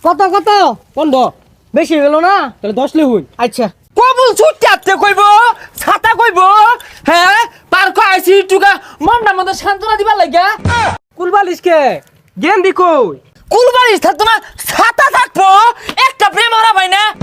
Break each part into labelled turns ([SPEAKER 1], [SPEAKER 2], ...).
[SPEAKER 1] কত কত 15 বেশি গেল না তাহলে 10 লিখুন। আচ্ছা
[SPEAKER 2] কবুল ছুটতে আসতে কইব ছাতা কইব হ্যাঁ পার্ক আইসি টুকা মনটা মতো সান্ত্বনা দিবার লাগা
[SPEAKER 1] কুলবালিশ কে গেন্দি কই
[SPEAKER 2] কুলবাড়ি থাকতো না ছাতা থাকবো একটা প্রেম হারা ভাই না।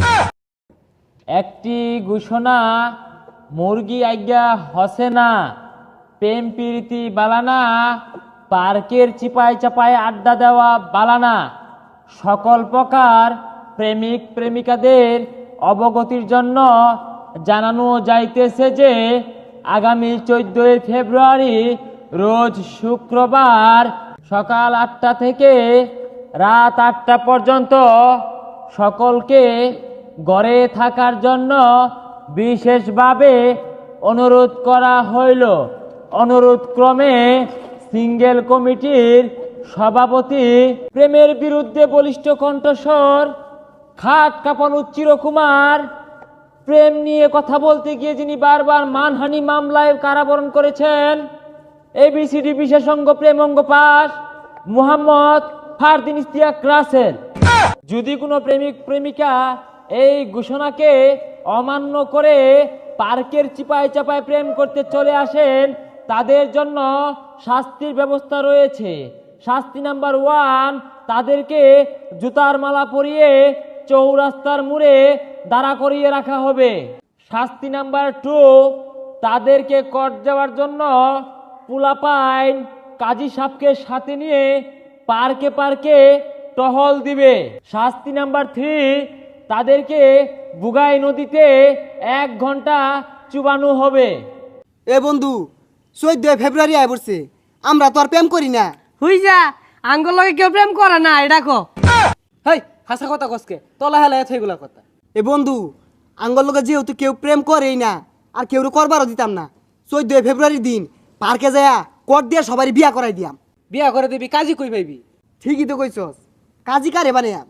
[SPEAKER 2] একটি ঘোষণা মুরগি আজ্ঞা হসে না প্রেম প্রীতি বালানা পার্কের চিপায় চাপায় আড্ডা দেওয়া বালানা সকল প্রকার প্রেমিক প্রেমিকাদের অবগতির জন্য জানানো যাইতেছে যে আগামী 14 ফেব্রুয়ারি রোজ শুক্রবার সকাল 8টা থেকে রাত 8টা পর্যন্ত সকলকে ঘরে থাকার জন্য বিশেষভাবে অনুরোধ করা হইল। অনুরোধ ক্রমে সিঙ্গেল কমিটির সভাপতি প্রেমের বিরুদ্ধে বলিষ্ঠ কণ্ঠস্বর খাট কাঁপানো চিরকুমার প্রেম নিয়ে কথা বলতে গিয়ে যিনি বারবার মানহানি মামলায় কারাবরণ করেছেন এবিসিডি বিশেষজ্ঞ প্রেমঙ্গ পাস মুহাম্মদ ফারদিন ইস্তিয়াক রাসেল। যদি কোনো প্রেমিক প্রেমিকা এই ঘোষণাকে অমান্য করে পার্কের চিপায় চাপায় প্রেম করতে চলে আসেন তাদের জন্য শাস্তির ব্যবস্থা রয়েছে। শাস্তি নাম্বার 1, তাদেরকে জুতার মালা পরিয়ে চৌরাস্তার মোড়ে দাঁড়া করিয়ে রাখা হবে। শাস্তি নাম্বার 2, তাদেরকে কট দেওয়ার জন্য পুলাপাইন কাজী সাহেবকে সাথে নিয়ে পার্কে পার্কে টহল দিবে। শাস্তি নাম্বার 3, তাদেরকে বুগাই নদীতে 1 ঘন্টা চুবানো হবে।
[SPEAKER 3] এ বন্ধু 14 ফেব্রুয়ারি আয় পড়ছে, আমরা তো আর প্রেম করি না।
[SPEAKER 1] হুই যা আঙ্গুল লগে কেউ প্রেম করে না এটা কো।
[SPEAKER 2] হেই হাসা কথা কসকে তলা হেলা এগুলা কথা।
[SPEAKER 3] এ বন্ধু আঙ্গল লোকে যেহেতু কেউ প্রেম করেই না আর কেউ করবারও দিতাম না, 14 ফেব্রুয়ারির দিন পার্কে যায়া কোট দিয়ে সবারই বিয়া করাই দিয়াম।
[SPEAKER 2] বিয়া করে দিবি কাজী কই পাইবি?
[SPEAKER 3] ঠিকই তো কইছস, কাজী কারে বানাইয়াম।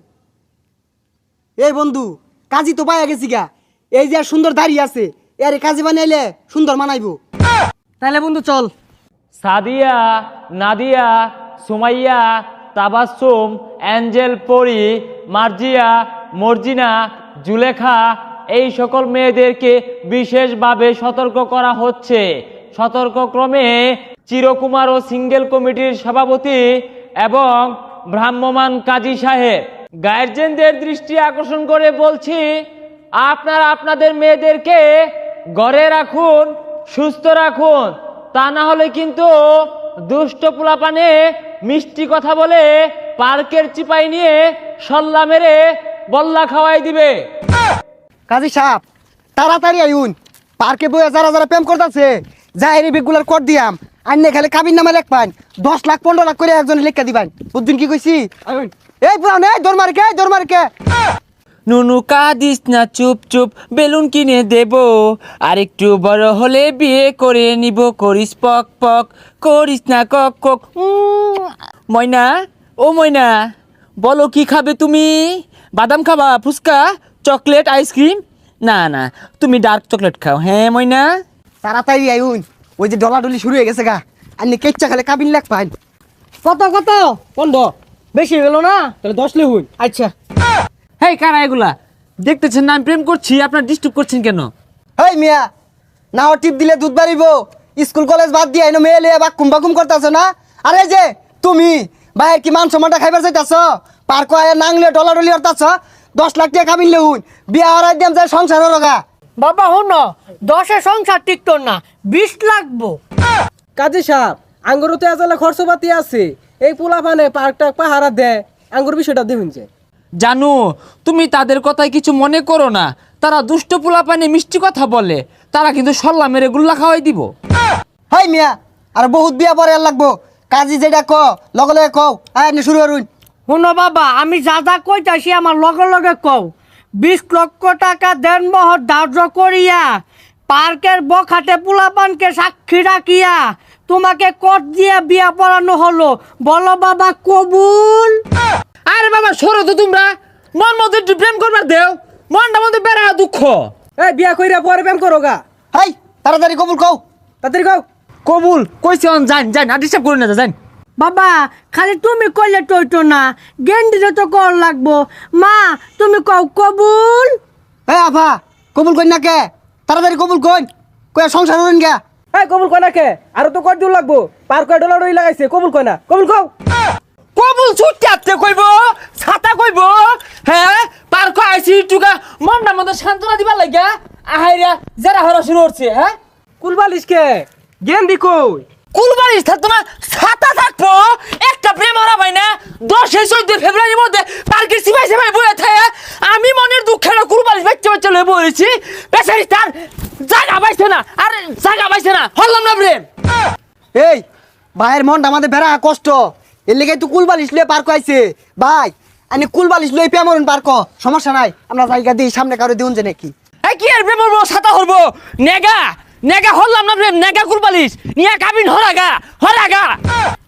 [SPEAKER 3] এই বন্ধু কাজী তো পাইয়া গেছি গা, এই যে আর সুন্দর দাঁড়িয়ে আছে এর কাজী বানাইলে সুন্দর মানাইবো।
[SPEAKER 1] তাহলে বন্ধু চল।
[SPEAKER 2] সাদিয়া, নাদিয়া, সুমাইয়া, তাবাসসুম, অ্যাঞ্জেল, পরি, মার্জিয়া, মর্জিনা, জুলেখা এই সকল মেয়েদেরকে বিশেষভাবে সতর্ক করা হচ্ছে। সতর্কক্রমে চিরকুমার ও সিঙ্গেল কমিটির সভাপতি এবং ভ্রাম্যমাণ কাজী সাহেব গার্জেনদের দৃষ্টি আকর্ষণ করে বলছি, আপনারা আপনাদের মেয়েদেরকে ঘরে রাখুন, সুস্থ রাখুন, তা না হলে কিন্তু দুষ্ট পোলাপানে মিষ্টি কথা বলে পার্কের চিপাই নিয়ে সল্লা মেরে বল্লা খাওয়াই দিবে।
[SPEAKER 3] কাজী সাহেব তাড়াতাড়ি আইউন, পার্কে বইয়া যারা যারা প্রেম করতেছে যাই বেগুলার কোট দিয়াম, আইনে খালি কাবির নামে লেখ পান 10 লাখ 15 লাখ করে একজন লেখা দিবেন। বুঝদিন কি কইছি? এই পুরান এই দরমারকে
[SPEAKER 2] নুনু কাঁদিস না, চুপ চুপ বেলুন কিনে দেব, আর একটু বড় হলে বিয়ে করে নিব, করিস পক পক করিস না কক কক। ময়না, ও ময়না বলো কি খাবে তুমি? বাদাম খাবা, ফুচকা, চকলেট, আইসক্রিম? না না তুমি ডার্ক চকলেট খাও। হ্যাঁ ময়না
[SPEAKER 3] তাড়াতাড়ি আইউন, ওই যে ডলাডলি শুরু হয়ে গেছে গা, আইনে কেচ্চা খালি কাবির লেখ পান।
[SPEAKER 1] কত কত 15 বেশি গেল না তাহলে 10 লিখুন। আচ্ছা
[SPEAKER 2] হেই কারা এগুলা? দেখতেছেন না আমি প্রেম করছি, আপনার ডিস্টার্ব করছেন কেন?
[SPEAKER 3] হেই মিয়া, না ও টিপ দিলে দুধ বাড়িব, স্কুল কলেজ বাদ দিয়ে এনে মেয়ে লিয়ে বাকুম বাকুম করতেছ না? আরে যে তুমি বাইরে কি মান সম্মানটা খাইবার চাইতেছ? পার্ক আয়া নাংলে ডলাডলি হরতাছ, 10 লাখ টাকা কাবিন লেহুন, বিয়া হরাই দিয়াম যায় সংসার লগা।
[SPEAKER 1] বাবা হন 10-এ সংসার টিকতো না, 20 লাগবো। কাজী সাহেব আঙ্গুর তো এজালে খরচপাতি আছে, এই পোলাপানে পার্কটা পাহারা দেয়, আঙ্গুর বিষয়টা দেখুন যে।
[SPEAKER 2] জানু তুমি তাদের কথায় কিছু মনে করো না, তারা দুষ্ট পোলাপানে মিষ্টি কথা বলে, তারা কিন্তু সল্লা মেরে গুল্লা খাওয়াই দিব।
[SPEAKER 3] হেই মিয়া আর বহুত বিয়া পরে আর লাগবো, কাজী যেটা ক লগে লগে কও, আয় আপনি শুরু করুন।
[SPEAKER 1] শুনো বাবা, আমি যা যা কইতাছি আমার লগে লগে কও। 20 লক্ষ টাকা দেনমোহর ধার্য করিয়া পার্কের বখাটে পোলাপানকে সাক্ষী রাখিয়া তোমাকে কোট দিয়ে বিয়া পড়ানো হলো, বলো বাবা কবুল?
[SPEAKER 2] আরে বাবা সরো তো তোমরা, মন মতো একটু প্রেম করবার দেও, মনটা মধ্যে বেড়া দুঃখ।
[SPEAKER 1] এই বিয়া কইরা পরে প্রেম করো গা।
[SPEAKER 3] হেই তাড়াতাড়ি কবুল কও।
[SPEAKER 1] তাড়াতাড়ি কও।
[SPEAKER 2] কবুল কইছি অন, যান যান আর ডিস্টার্ব করুন না, যান।
[SPEAKER 1] বাবা খালি তুমি কইলে টইতো না গেন্ডিরে তো কর লাগবো মা তুমি কও কবুল
[SPEAKER 3] এ আফা কবুল কই না কে তাড়াতাড়ি কবুল কই কই সংসার হইন গা
[SPEAKER 4] এই কবুল কয় না কে আর তো কয় দূর লাগবো পার কয় ডলার ওই লাগাইছে কবুল কয় না কবুল কও
[SPEAKER 2] কবুল ছুটতে আতে কইব ছাতা কইব হ্যাঁ পার কো আইছি টুকা মনটা মতো সান্ত্বনা দিবার লাগা আহাইরা যারা হরা শুরু হচ্ছে হ্যাঁ
[SPEAKER 4] কুলবালিশ কে গেন্দি কই
[SPEAKER 2] কুলবাড়ি থাকতো না ছাতা থাকবো একটা প্রেম হারা ভাই না 10-14 ফেব্রুয়ারির মধ্যে পার্কের সিপাই সিপাই বয়ে থাকে আমি মনের দুঃখে না কুলবাড়ি বাচ্চা বাচ্চা লয়ে বলেছি বেচারি তার জায়গা পাইছে না আর জায়গা পাইছে না হল্লাম না প্রেম
[SPEAKER 3] এই ভাইয়ের মনটা আমাদের বেড়া কষ্ট এর লেগে তুই কুলবালিশ লয়ে পার কইছে ভাই আনি কুলবালিশ লয়ে পেমরন পার ক সমস্যা নাই আমরা জায়গা দিই সামনে কারো দিউন যে নাকি
[SPEAKER 2] এই কি আর প্রেম হবো ছাতা হরবো নেগা নেগা হল্লাম না প্রেম নেগা কুলবালিশ নিয়া কাবিন হরাগা হরাগা